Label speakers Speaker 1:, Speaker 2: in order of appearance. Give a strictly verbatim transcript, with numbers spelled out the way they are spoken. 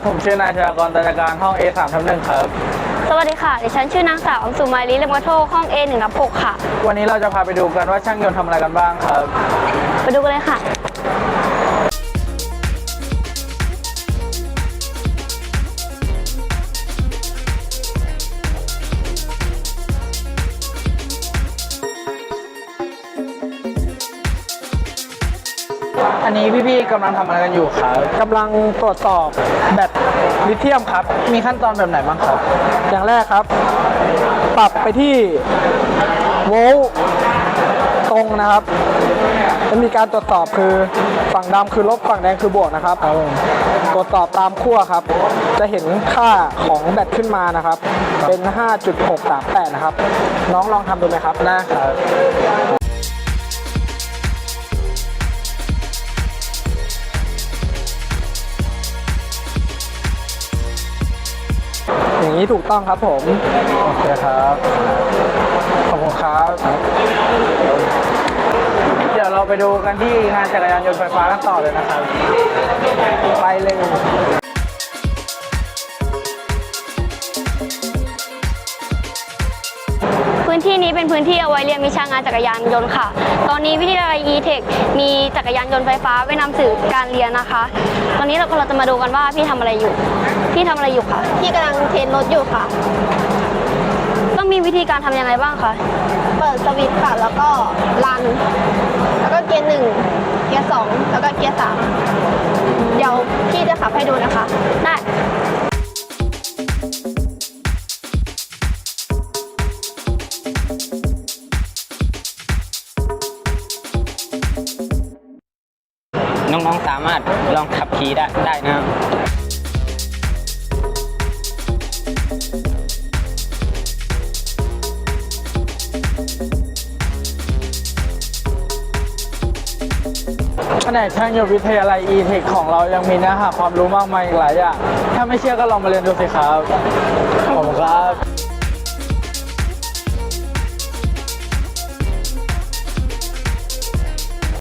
Speaker 1: ผมชื่อนายชยากร ตัญญาการห้อง เอ สาม ทับหนึ่งครับ
Speaker 2: สวัสดีค่ะดิฉันชื่อนางสาวสุมาลีเลมกระโทกห้อง เอ หนึ่งทับหกค่ะ
Speaker 1: วันนี้เราจะพาไปดูกันว่าช่างยนต์ทำอะไรกันบ้างครับ
Speaker 2: ไปดูกันเลยค่ะ
Speaker 1: อันนี้พี่ๆกำลังทำอะไรกันอยู่ครับ
Speaker 3: กำลังตรวจสอบแบตลิเธียมครับ
Speaker 1: มีขั้นตอนแบบไหนบ้างครับ
Speaker 3: อย่างแรกครับ ปรับไปที่โวลต์ตรงนะครับจะมีการตรวจสอบคือฝั่งดำคือลบฝั่งแดงคือบวกนะครับตรวจสอบตามขั้วครับ จะเห็นค่าของแบตขึ้นมานะครับ เป็น ห้าจุดหกสามแปด นะครับ น้องลองทำดูไหมครับ
Speaker 1: ได้ครับ
Speaker 3: อย่างนี้ถูกต้องครับผม
Speaker 1: โอเคครับ ขอบคุณครับ เดี๋ยวเราไปดูกันที่งานจักรยานยนต์ไฟฟ้ากันต่อเลยนะครับ ไปเลย
Speaker 2: พื้นที่นี้เป็นพื้นที่เอาไว้เรียนวิชางานจักรยานยนต์ค่ะ ตอนนี้วิทยาลัย อี เทค มีจักรยานยนต์ไฟฟ้าไว้นำสื่อการเรียนนะคะ ตอนนี้เราเราจะมาดูกันว่าพี่ทำอะไรอยู่ พี่ทำอะไรอยู่คะ
Speaker 4: พี่กำลังเทรนรถอยู่ค่ะ
Speaker 2: ต้องมีวิธีการทำยังไงบ้างคะ
Speaker 4: เปิดสวิตช์ค่ะ แล้วก็รัน แล้วก็เกียร์หนึ่ง เกียร์สอง แล้วก็เกียร์สาม เดี๋ยวพี่จะขับให้ดูนะคะ
Speaker 2: ได้
Speaker 5: น้องๆ สามารถลองขับขี่ได้ได้นะครับ
Speaker 1: แผนกช่างยนต์วิทยาลัย อี เทค ของเรายังมีเนื้อหาความรู้มากมายอีกหลายอย่าง ถ้าไม่เชื่อก็ลองมาเรียนดูสิครับ ขอบคุณครับ